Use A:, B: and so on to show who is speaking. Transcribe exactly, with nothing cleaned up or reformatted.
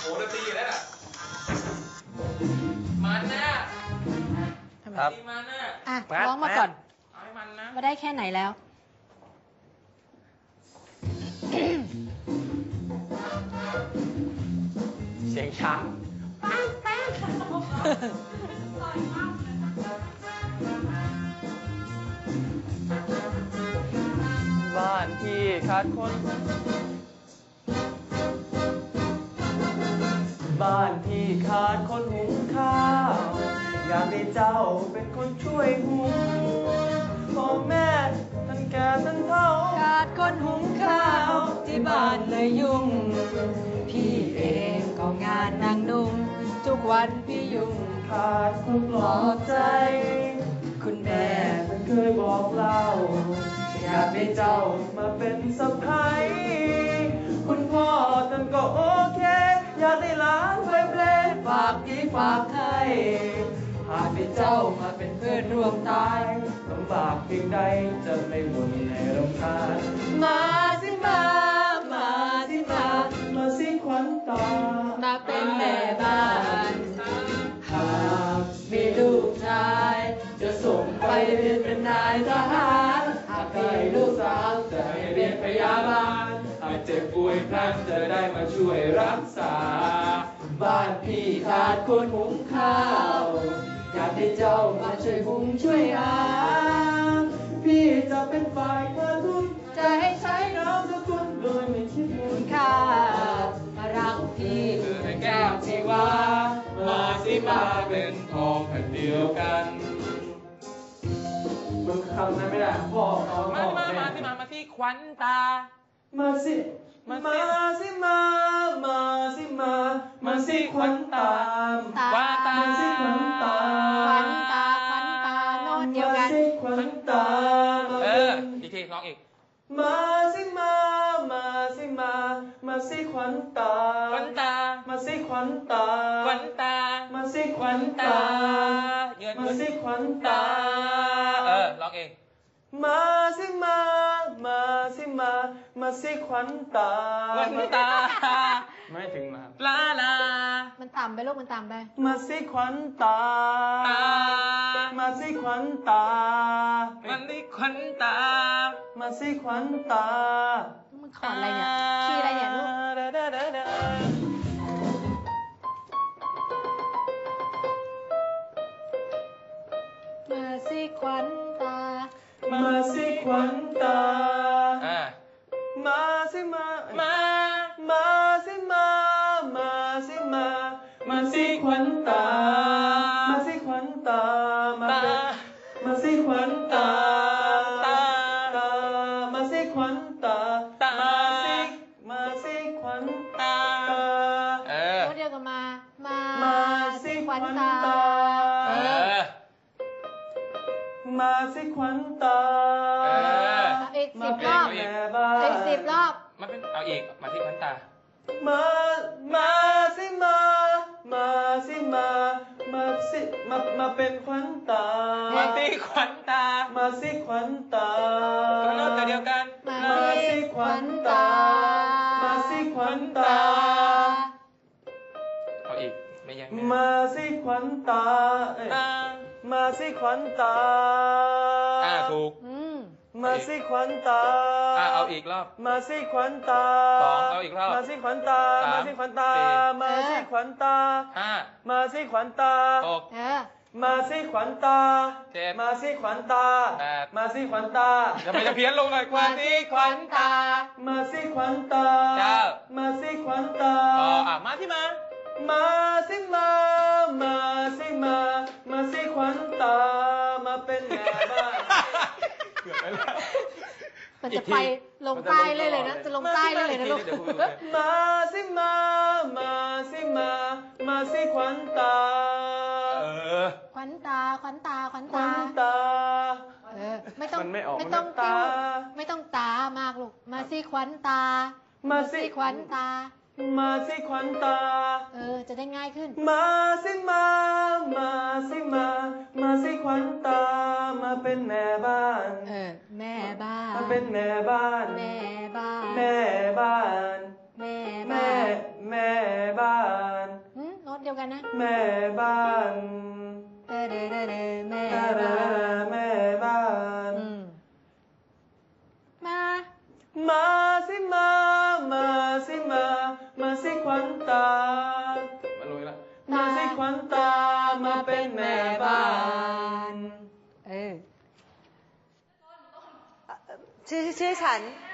A: โหดนตรีแล้วน่ะมันนะครับมันนะ
B: อ่ะร้องมาก่อน
A: เอาให้มันนะ
B: มาได้แค่ไหนแล้ว
A: เสียงช้างบ้านที่ขาดคนบ้านที่ขาดคนหุงข้าวอยากให้เจ้าเป็นคนช่วยหุงพ่อแม่ท่านแก่ท่านเฒ่า
B: ขาดคนหุงข้าวที่บ้านเลยยุ่งพี่เองก็งานนางนุ่งทุกวันพี่ยุ่ง
A: ขาดคนปลอบใจคุณแม่ท่านเคยบอกเล่าอยากให้เจ้ามาเป็นสะใภ้คุณพ่อท่านก็โอเคอยากให้หลานไปเปลฝากพี่ฝากไทยหากให้เจ้ามาเป็นเพื่อนร่วมตายลำบากเพียงใดจะไม่หวนให้รำคาญมาสิมามาสิมามาสิขวัญตา
B: มาเป็นแม่บ้าน
A: หากมีลูกชายจะส่งไปเรียนเป็นนายทหารหากได้ลูกสาวจะให้เรียนพยาบาลหากเจ็บป่วยพลันจะได้มาช่วยรักษาบ้านพี่ขาดคนหุงข้าวอยากให้เจ้ามาช่วยหุงช่วยหาพี่จะเป็นฝ่ายกระตุ้นจะให้ใช้น้ำสกุลโดยไม่คิดมูลค่า
B: มารักพี่
A: คือให้แก้วชีวามาสิมาเป็นทองแผ่นเดียวกันมึงคำนั้นไม่ได้พ่อเอามาที่มามาที่มามาที่ขวัญตามาสิมาสิมามาสิมามาสิขวัญตาขวัญตามาสิขวัญตา
B: ขวัญตาขวัญตาโน้ตเดียวกัน
A: มาสิขวัญตาเอออีกทีร้องอีกมาสิมามาสิมามาสิขวัญตาขวัญตามาสิขวัญตาขวัญตามาสิขวัญตามาสิขวัญตาเออร้องเองมาสิมามาสิมามาสิขวัญตาขวัญตาไม่ถึงมาลาลา
B: มันต่ำไปลูกมันต่ำไป
A: มาสิขวัญตามาสิขวัญตามาสิขวัญตามาสิขวัญตา
B: มันขออะไรเนี่ยขี้อะไรเนี่ยลูกมาสิขวัญตา
A: มาสิขวัญตามาสิมามามาสิมามาสิมามาสิขวัญตามาสิขวัญตามาเป็นมาสิขวัญตาตาตามาสิขวัญตาตามาสิมาสิขวัญตาเออ
B: เดียวกันมามา
A: มาสิขวัญตาเออมาสิขวัญตา
B: อีกสิบรอบอีกสิบรอบ
A: มาเป็นเอาอีกมาสิขวัญตามามาสิมามาสิมามาสิมามาเป็นขวัญตามาสิขวัญตามาสิขวัญตาโน้ตเดียวกันมาสิขวัญตามาสิขวัญตาเอาอีกไม่ยังมาสิขวัญตามาสิขวัญตาอ่าถูกมาสิขวัญตาอ่าเอาอีกรอบมาสิขวัญตาสองเอาอีกรอบมาสิขวัญตามาสิขวัญตามาสิขวัญตาห้ามาสิขวัญตาหกมาสิขวัญตาเจ็ดมาสิขวัญตาแปดมาสิขวัญตาจะไม่จะเพี้ยนลงหน่อยมาสิขวัญตามาสิขวัญตาเก้ามาสิขวัญตาอ๋ออ่ะมาที่มามาสิมามาสิมามาสิขวัญตามาเป็นแม่บ้านเกือบไปแล้ว
B: มันจะไปลงใต้เลยเลยนะจะลงใต้เลยเลยนะลูก
A: มาสิมามาสิมามาสิขวัญตา
B: ขวัญตาขวัญตาขวัญ
A: ตาตา
B: เออไม่ต้องไม่ต้องตาไม่ต้องตามากลูกมาสิขวัญตามาสิขวัญตา
A: มาสิขวัญตา
B: เออจะได้ง่ายขึ้น
A: มาสิมามาสิมามาสิขวัญตามาเป็นแม่บ้าน
B: เออแม่บ้าน
A: มาเป็นแม่บ้าน
B: แม่บ้าน
A: แม่บ้าน
B: แม่
A: แม่แม่บ้าน
B: เดียวกันนะ
A: แม่บ้าน
B: เด้อเด้อเด้อเด้อแม่
A: แม่
B: บ้าน
A: แม่บ้าน
B: อืมมา
A: มาสิมา มาสิมา มาสิขวัญตามาลุยละมาสิขวัญตา มาเป็นแม่บ้าน
B: เออ
C: ชื่อชื่อฉัน